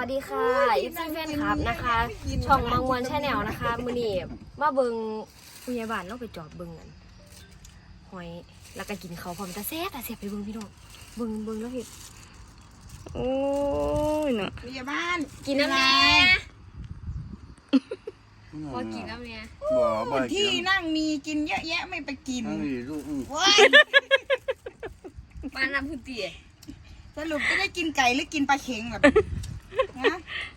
วัสดีค่ะอีซี่แฟนคลับนะคะช่องมังมวนแชนแนลนะคะมือนี่มาเบิงผู้ใหญ่บ้านเราไปจอดเบิงกันหอยแล้วก็กินเขาพร้อมตาแซ่บไปเบิงพี่น้องเบิงแล้วพี่โอ้ยเนาะผู้ใหญ่บ้านกินน้ำแน่พอกินน้ำแน่บ่ที่นั่งมีกินเยอะแยะไม่ไปกินบ้านน้ำพื้นที่สรุปจะได้กินไก่หรือกินปลาเค็งแบบนะ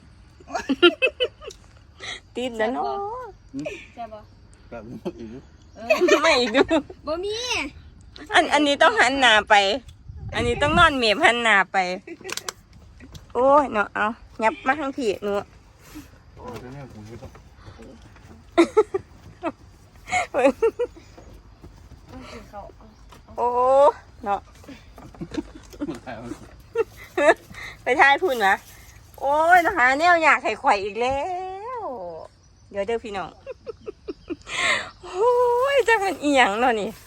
ติดแล้วเนาะใช่ปะแบบนี้อีกไม่อีกดูบ่มีอันนี้ต้องหันหน้าไปอันนี้ต้องนอนเมียบหันหน้าไปโอ้ยเนาะเอายับมาทั้งพี่หนูโอ้เนาะไปทายพูดนะโอ้ยนะคะเนี่ยอยากไข่ไข่อีกแล้วเดี๋ยวเด้อพี่น้องโอ้ยจะเป็นอีหยังเนาะนี่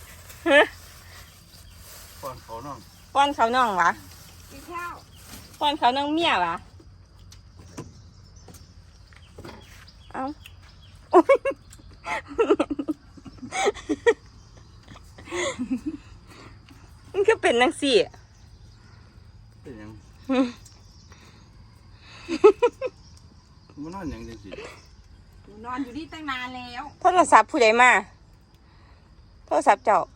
ป้อนเขาน้องป้อนเขาน้องวะกินข้าวป้อนเขาน้องเมียวะเอ้ามันก็เป็นนังสี่เป็นยังมันนอนยังจังสินอนอยู่นี่ตั้งนานแล้วโทรศัพท์ผู้ใดมาโทรศัพท์เจ้า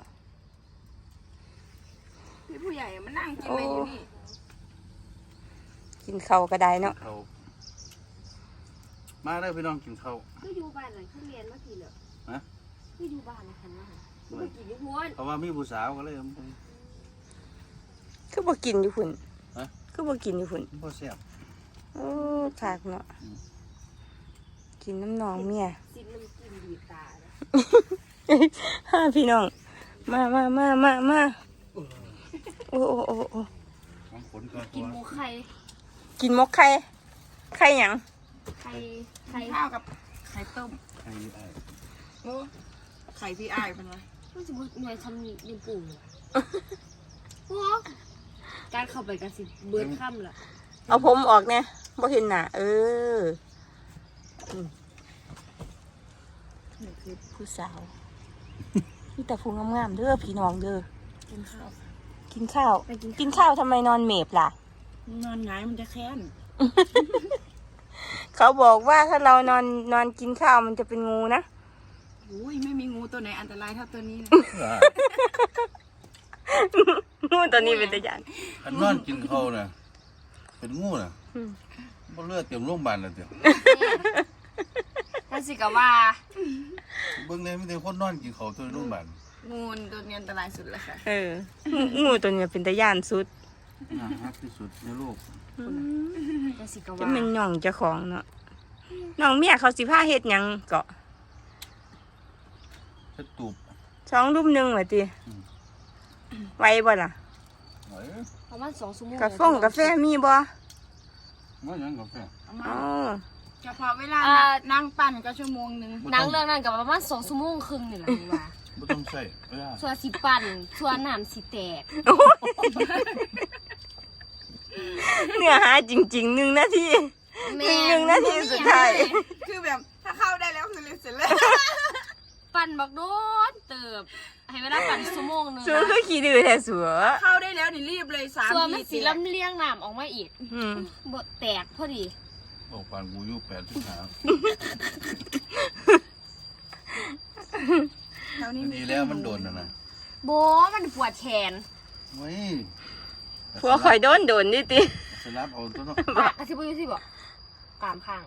พี่ผู้ใหญ่มานั่งกินอะไรอยู่นี่กินข้าวก็ได้เนาะมาได้พี่น้องกินข้าวก็อยู่บ้านหลังที่เรียนเมื่อกี้เหรอฮะก็อยู่บ้านนะคันว่าเมื่อกี้อยู่พุ่นเพราะว่ามีผู้สาวก็เลยคือบ่กินอยู่พุ่นคือบ่กินอยู่พุ่นบ่แซ่บโอ้ขากเนาะกินน้ำนองเมียสิมันกินดีตาฮ่าพี่น้องมาโอ้กินหมูไข่กินมกไข่หยังไข่ข้าวกับไข่ต้มไข่ไอ้โอ้ไข่พี่ไอ้เป็นไงมันจะหน่วยทำยังปู่โอ้การเข้าไปกันสิเบิร์ดค่ำละเอาผมออกเนี่ยบ่เห็นหน้านี่คือผู้สาวนี่แต่ผู้งามๆเด้อพี่น้องเด้อกินข้าวทำไมนอนเมบล่ะนอนหงายมันจะแค้นเขาบอกว่าถ้าเรานอนกินข้าวมันจะเป็นงูนะอุ้ยไม่มีงูตัวไหนอันตรายเท่าตัวนี้นะงูตัวนี้เป็นตัวอย่างอันนอนกินข้าวน่ะเป็นงูน่ะบ่เลือดเต็มโรงพยาบาลแล้วเต็มนั่นสิกะว่าเบิ่งเลยมีแต่คนนอนกินข้าวตัวโรงพยาบาลงูตัวนี้อันตรายสุดเลยค่ะงูตัวนี้เป็นตัวอย่างสุดรักที่สุดในโลกจะเป็นหน่องเจ้าของเนาะน้องเมียเขาสิผ้าเฮ็ดยังเกาะจะตูบ 2 รุ่ม 1เหรอติไวบ่ล่ะประมาณ2 ชั่วโมงกาแฟมีบ่ไม่ยังกาแฟเฉพาะเวลานั่งปั่นก็ชั่วโมงนึงนั่งเรื่องนั้นกับประมาณ2 ชั่วโมงครึ่งนี่แหละว่าไม่ต้องใส่ส่วนสิปั่นส่วนน้ำสิแตกเนื้อหาจริงๆ1 นาที1 นาทีสุดท้ายคือแบบถ้าเข้าได้แล้วคือเสร็จแล้วปั่นบักโดนเติบให้เวลาปั่นชั่วโมงนึงสัวคือขี้ดื้อแท้สัวเข้าได้แล้วนี่รีบเลย3 ทีสัวมันสิลำเลียงน้ำออกมาอีกบ่แตกพอดีออกปานกูอยู่85ดีแล้วมันโดนนะโบมันปวดแขนผัวข่อยโดนดิติสลับเอาตัวเนาะอาทิตย์บ่บอกกามข้าง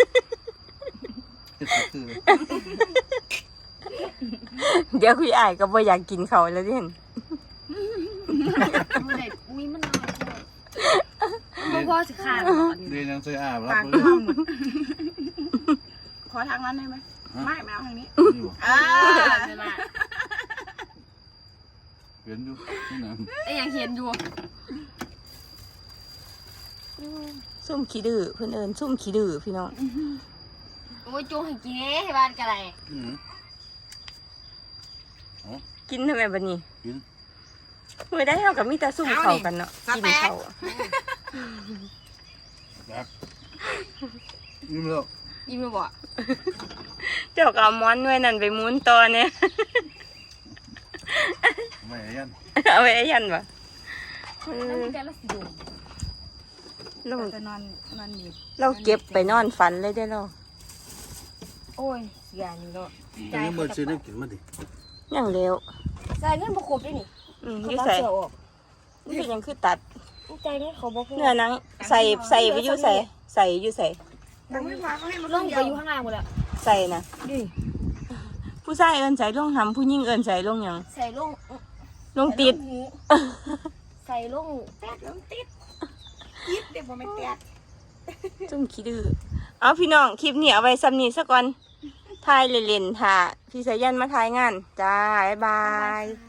เดี๋ยวคุยอ้ายก็บ่อยากกินเขาแล้วดิเห็นมีมันพ่อสิขาดเรียนยังใส่อาบรับขอทางนั้นได้ไหมไม่เอาทางนี้เห็นอยู่นี่นะยังเห็นอยู่ซุ่มขี้ดื้อเพื่อนเอิญซุ่มขี้ดื้อพี่น้องโอ้ยจูงให้กินให้บ้านกันอะไรกินทำไมบัดนี้เมื่อได้เท่ากับมีแต่ซุ่มเข่ากันเนาะกินเข่ายิ้มแล้วยิ้มมาบอกเจ้าก็เอาม้อนไว้นั่นไปหมุนต่อเนี่ยไม่ยันเอาไว้ยันปะนั่นเป็นการละสิโดมเราจะนอนหนีบเราเก็บไปนอนฝันเลยได้อเราโอ้ยเสียนี่เนาะอันนี้มันซื้อได้กินมาดิอย่างเร็วจ่ายเงินบ่ครบด้วยนี่อยุ่เขาใส่เสือออกนี่เป็นหยังคือตัดจ่ายเงินเขาบ่พอเนื้อหนังใส่ไปอยู่ใส่อยู่ใส่ยังไม่พอเขาให้มันลงไปอยู่ข้างล่างหมดแล้วใส่นะนี่ผู้ชายเอินใส่ลงหำผู้หญิงเอินใส่ลงหยังใส่ลงลงติดหูใส่ลงแป๊ดลงติดยิบเดี๋ยวผมไม่แตกจุ่มขี้ดื้อเอาพี่น้องคลิปนี้เอาไว้ซ้ำนี้ซะก่อนถ่ายเล่นๆค่ะพี่สายันมาถ่ายงานจ้าบ๊ายบาย